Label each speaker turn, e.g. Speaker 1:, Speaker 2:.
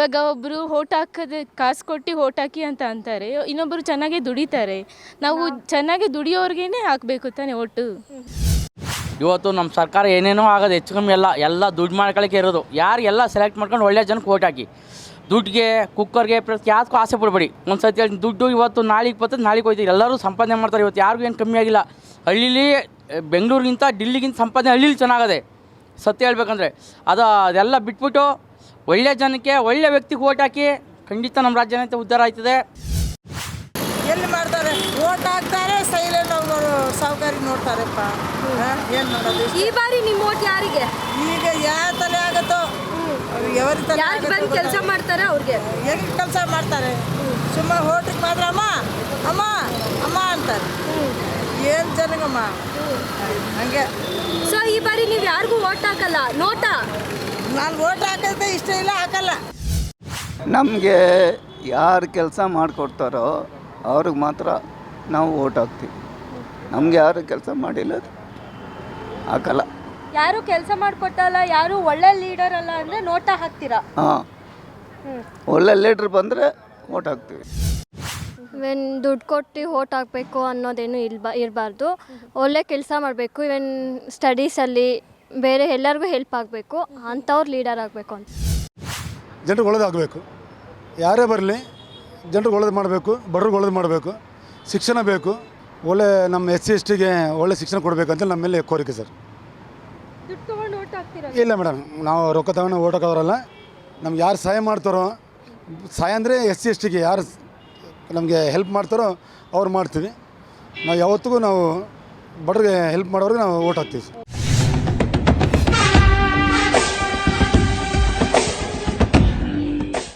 Speaker 1: ಇವಾಗ ಒಬ್ಬರು ಓಟ್ ಹಾಕೋದು ಕಾಸು ಕೊಟ್ಟು ಓಟ್ ಹಾಕಿ ಅಂತ ಅಂತಾರೆ, ಇನ್ನೊಬ್ಬರು ಚೆನ್ನಾಗಿ ದುಡಿತಾರೆ. ನಾವು ಚೆನ್ನಾಗಿ ದುಡಿಯೋರ್ಗೇ ಹಾಕಬೇಕು ತಾನೇ ಓಟು.
Speaker 2: ಇವತ್ತು ನಮ್ಮ ಸರ್ಕಾರ ಏನೇನೋ ಆಗೋದು ಹೆಚ್ಚು ಕಮ್ಮಿ ಎಲ್ಲ ದುಡ್ಡು ಮಾಡ್ಕೊಳ್ಳೋಕ್ಕೆ ಇರೋದು. ಯಾರು ಎಲ್ಲ ಸೆಲೆಕ್ಟ್ ಮಾಡ್ಕೊಂಡು ಒಳ್ಳೆ ಜನಕ್ಕೆ ಓಟ್ ಹಾಕಿ. ದುಡ್ಡಿಗೆ ಕುಕ್ಕರ್ಗೆ ಪ್ರತಿ ಯಾವುದಕ್ಕೂ ಆಸೆ ಪಡಬೇಡಿ. ಒಂದು ಸತಿ ಹೇಳಿ ದುಡ್ಡು ಇವತ್ತು ನಾಳೆಗೆ ಬರ್ತದೆ, ನಾಳೆಗೆ ಹೋಯ್ತೀವಿ. ಎಲ್ಲರೂ ಸಂಪಾದನೆ ಮಾಡ್ತಾರೆ. ಇವತ್ತು ಯಾರಿಗೂ ಏನು ಕಮ್ಮಿ ಆಗಿಲ್ಲ. ಹಳ್ಳೀಲಿ ಬೆಂಗಳೂರಿಗಿಂತ ಡಿಲ್ಲಿಗಿಂತ ಸಂಪಾದನೆ ಹಳ್ಳೀಲಿ ಚೆನ್ನಾಗದೆ, ಸತ್ಯ ಹೇಳ್ಬೇಕಂದ್ರೆ. ಅದೆಲ್ಲ ಬಿಟ್ಬಿಟ್ಟು ಒಳ್ಳೆ ಜನಕ್ಕೆ ಒಳ್ಳೆ ವ್ಯಕ್ತಿಗೆ ಓಟ್ ಹಾಕಿ. ಖಂಡಿತ ನಮ್ಮ ರಾಜ್ಯ ಉದ್ಧಾರ ಆಯ್ತದೆ.
Speaker 3: ಎಲ್ಲಿ ಮಾಡ್ತಾರೆ, ಓಟ್ ಹಾಕ್ತಾರೆ, ಸೈಲೆಂಟ್ ಅವರು ಸಾವುಕಾರಿ ನೋಡ್ತಾರಪ್ಪ. ಏನು ಮಾಡೋದು?
Speaker 4: ಈ ಬಾರಿ ನಿಮ್ಮ ಓಟ್ ಯಾರಿಗೆ?
Speaker 3: ಈಗ ಯಾವ ತಲೆ ಆಗುತ್ತೋ ఎవరి ತಲೆ
Speaker 4: ಬಂದು ಕೆಲಸ ಮಾಡ್ತಾರೆ ಅವ್ರಿಗೆ.
Speaker 3: ಹೆಂಗೆ ಕೆಲಸ ಮಾಡ್ತಾರೆ? ಸುಮ್ಮನೆ ಓಟಿಗೆ ಮಾತ್ರ ಅಮ್ಮ ಅಮ್ಮ ಅಮ್ಮ ಅಂತಾರೆ. ಏನು ಜನಗಮ್ಮ ಹಂಗೆ.
Speaker 4: ಸೊ ಈ ಬಾರಿ ನೀವು ಯಾರಿಗೂ ಓಟ್ ಹಾಕಲ್ಲ, ನೋಟಾ?
Speaker 3: ನಾನು ಓಟ್ ಹಾಕೋದೇ ಇಷ್ಟ ಇಲ್ಲ, ಹಾಕಲ್ಲ.
Speaker 5: ನಮಗೆ ಯಾರು ಕೆಲಸ ಮಾಡಿಕೊಡ್ತಾರೋ ಅವ್ರಿಗೆ ಮಾತ್ರ ನಾವು ಓಟ್ ಹಾಕ್ತೀವಿ. ನಮ್ಗೆ ಯಾರು ಕೆಲಸ ಮಾಡಿಲ್ಲ ಹಾಕಲ್ಲ.
Speaker 4: ಯಾರು ಕೆಲಸ ಮಾಡಿಕೊಟ್ಟಲ್ಲ, ಯಾರು ಒಳ್ಳೆ ಲೀಡರ್ ಅಲ್ಲ ಅಂದರೆ ನೋಟಾ ಹಾಕ್ತೀರಾ?
Speaker 5: ಹಾಂ, ಒಳ್ಳೆ ಲೀಡ್ರ್ ಬಂದರೆ ಓಟ್ ಹಾಕ್ತೀವಿ.
Speaker 6: ಇವೆನ್ ದುಡ್ಡು ಕೊಟ್ಟು ಓಟ್ ಹಾಕಬೇಕು ಅನ್ನೋದೇನು ಇರಬಾರ್ದು. ಒಳ್ಳೆ ಕೆಲಸ ಮಾಡಬೇಕು. ಇವನ್ ಸ್ಟಡೀಸಲ್ಲಿ ಬೇರೆ ಎಲ್ಲರಿಗೂ ಹೆಲ್ಪ್ ಆಗಬೇಕು, ಅಂಥವ್ರು ಲೀಡರ್ ಆಗಬೇಕು ಅಂತ.
Speaker 7: ಜನರಿಗೆ ಒಳ್ಳೇದಾಗಬೇಕು. ಯಾರೇ ಬರಲಿ ಜನರಿಗೆ ಒಳ್ಳೇದು ಮಾಡಬೇಕು, ಬಡವ್ರಿಗೆ ಒಳ್ಳೇದು ಮಾಡಬೇಕು. ಶಿಕ್ಷಣ ಬೇಕು, ಒಳ್ಳೆ ನಮ್ಮ SC STಗೆ ಒಳ್ಳೆ ಶಿಕ್ಷಣ ಕೊಡಬೇಕಂತ ನಮ್ಮ ಮೇಲೆ ಕೋರಿಕೆ ಸರ್.
Speaker 4: ದುಡ್ಡು ತೊಗೊಂಡು ಓಟ್ ಹಾಕ್ತೀರಾ?
Speaker 7: ಇಲ್ಲ ಮೇಡಮ್, ನಾವು ರೊಕ್ಕ ತಗೊಂಡು ಓಟ್ ಹಾಕೋರಲ್ಲ. ನಮ್ಗೆ ಯಾರು ಸಹಾಯ ಮಾಡ್ತಾರೋ, ಸಹಾಯ ಅಂದರೆ SC STಗೆ ಯಾರು ನಮಗೆ ಹೆಲ್ಪ್ ಮಾಡ್ತಾರೋ ಅವ್ರು ಮಾಡ್ತೀವಿ. ನಾವು ಯಾವತ್ತಿಗೂ ನಾವು ಬಡವ್ರಿಗೆ ಹೆಲ್ಪ್ ಮಾಡೋರಿಗೆ ನಾವು ಓಟ್ ಹಾಕ್ತೀವಿ.